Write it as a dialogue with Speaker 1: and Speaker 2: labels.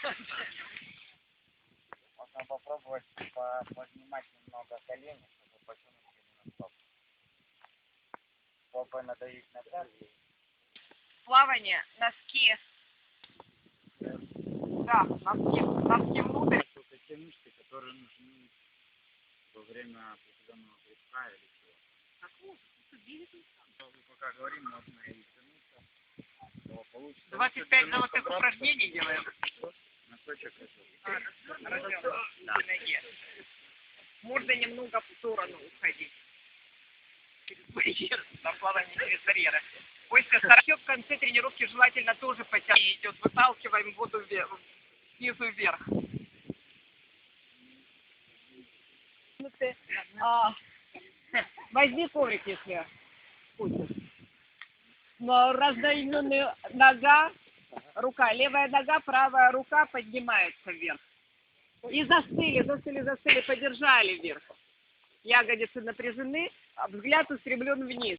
Speaker 1: Можно попробовать поднимать немного колени, чтобы потянуть именно стоп. Попой надавить на пятки.
Speaker 2: Плавание, носки. Да, носки внутрь.
Speaker 1: Это те мышцы, которые нужны во время определенного прыжка или чего.
Speaker 2: Так вот,
Speaker 1: Мы пока говорим, можно и тянуться, то получится.
Speaker 2: 25 золотых упражнений делаем.
Speaker 1: Носочек это.
Speaker 2: Да. Можно немного в сторону уходить. Через барьер, на плавание через барьеры. После 40 в конце тренировки желательно тоже потянуть. Идет, выталкиваем воду вверх, снизу вверх. Возьми коврик, если хочешь. Раздвоенная нога, рука, левая нога, правая рука поднимается вверх. И застыли, подержали вверх. Ягодицы напряжены, а взгляд устремлен вниз.